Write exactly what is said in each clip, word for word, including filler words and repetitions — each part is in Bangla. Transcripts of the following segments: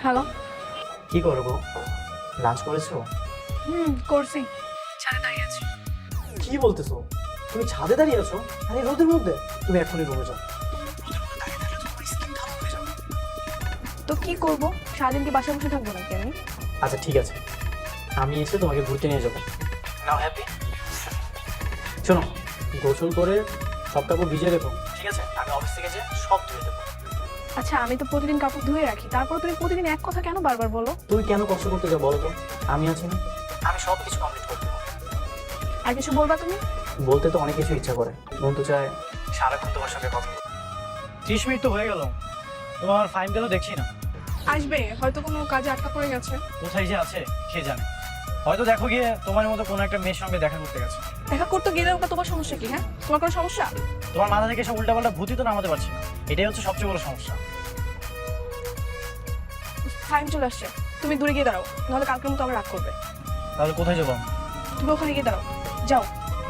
হ্যালো। কি করবো? লাঞ্চ করেছো? হুম করছি, ছাদে দাঁড়িয়ে আছি। কি বলতেছো? তুমি ছাদে দাঁড়িয়ে আছো? আরে রোদের মধ্যে? তুমি এখনই রুমে যাও। তো কি করবো, সারাদিন কি বাসায় বসে থাকবো নাকি আমি? আচ্ছা ঠিক আছে, আমি এসে তোমাকে ঘুরতে নিয়ে যাবো। নাও হ্যাপি। শোনো, গোসল করে সব কাপড় ভিজিয়ে রেখো, ঠিক আছে? আমি অফিস থেকে যে সব ধুয়ে দেবো। আচ্ছা আমি তো প্রতিদিন কাপড় ধুয়ে রাখি, তারপর তুমি প্রতিদিন এক কথা কেন বারবার বলো? তুমি কেন কষ্ট করতে যাও বলো তো? আমি আছি না? আমি সব কিছু কমপ্লিট করতে পারবো। আর কিছু বলবা তুমি? বলতে তো অনেক কিছু ইচ্ছা করে, মন তো চায় সারাক্ষণ তোমার সঙ্গে কথা বলতে। ত্রিশ মিনিট তো হয়ে গেল, তোমার ফাইন গেল দেখছি না। আসবে, হয়তো কোনো কাজে আটকা পড়ে গেছে। কোথায় যে আছে কে জানে, হয়তো দেখো গিয়ে তোমার মতো কোনো একটা মেয়ের সঙ্গে দেখা করতে গেছে। দেখা করতে গেলে ওটা তোমার সমস্যা কি? হ্যাঁ, তোমার কোনো সমস্যা? তোমার মাথা থেকে সব উল্টাপাল্টা ভূতি তো নামাতে পারছি না, এটাই হচ্ছে সবচেয়ে বড় সমস্যা। টাইম চলে আসছে, তুমি দূরে গিয়ে দাঁড়াও, নাহলে কালকের মতো আমার রাগ করবে। তাহলে কোথায় যাবো আমি? তুমি ওখানে গিয়ে দাঁড়াও, যাও।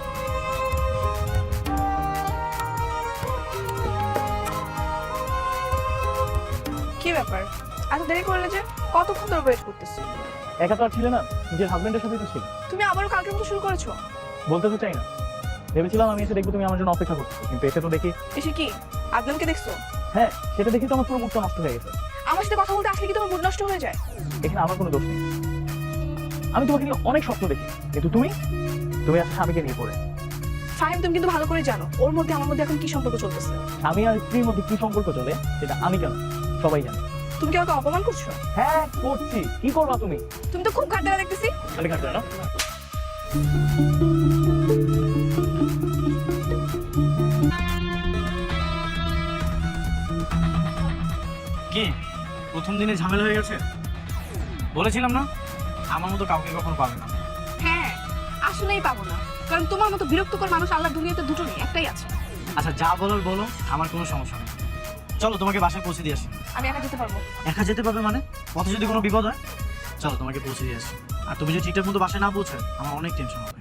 কি ব্যাপার, এত দেরি করলে যে? কতক্ষণ ধরে ওয়েট করতেছি? একা তো আর ছিলে না, নিজের হাজবেন্ডের সাথেই তো ছিল। তুমি আবারও কালকের মতো শুরু করেছো? বলতে তো চাই না, ভেবেছিলাম আমি এসে দেখবো তুমি আমার জন্য অপেক্ষা করছো, কিন্তু এসে তো দেখি। এসে কি আদনানকে দেখছো? হ্যাঁ, সেটা দেখি তো আমার পুরো মুডটা নষ্ট হয়ে গেছে। আমার সাথে কথা বলতে আসলে কি তোমার মুড নষ্ট হয়ে যায়? এখানে আমার কোনো দোষ নেই, আমি তোমাকে নিয়ে অনেক স্বপ্ন দেখি, কিন্তু তুমি তুমি আজকে স্বামীকে নিয়ে পড়ে। ফাহিম, তুমি কিন্তু ভালো করে জানো ওর মধ্যে আমার মধ্যে এখন কি সম্পর্ক চলতেছে। স্বামী আর স্ত্রীর মধ্যে কি সম্পর্ক চলে সেটা আমি কেন, সবাই জানে। তুমি কি আমাকে অপমান করছো? হ্যাঁ করছি, কি করবা তুমি? তুমি তো খুব ঘাট দেওয়া দেখতেছি। খালি কাটবে না। কি প্রথম দিনে ঝামেলা হয়ে গেছে? বলেছিলাম না আমার মতো কাউকে কখনো পাবে না। হ্যাঁ, আসলেই পাবো না, কারণ তোমার মতো বিরক্তকর মানুষ আল্লাহ দুনিয়াতে দুটো নেই, একটাই আছে। আচ্ছা যা বলার বলো, আমার কোনো সমস্যা নেই। চলো তোমাকে বাসায় পৌঁছে দিয়ে আসি। আমি একা যেতে পারবো? একা যেতে পারবে মানে? পথে যদি কোনো বিপদ হয়? চলো তোমাকে পৌঁছে দিয়ে আসি। আর তুমি যদি ঠিকঠাক মতো বাসায় না পৌঁছায় আমার অনেক টেনশন হবে।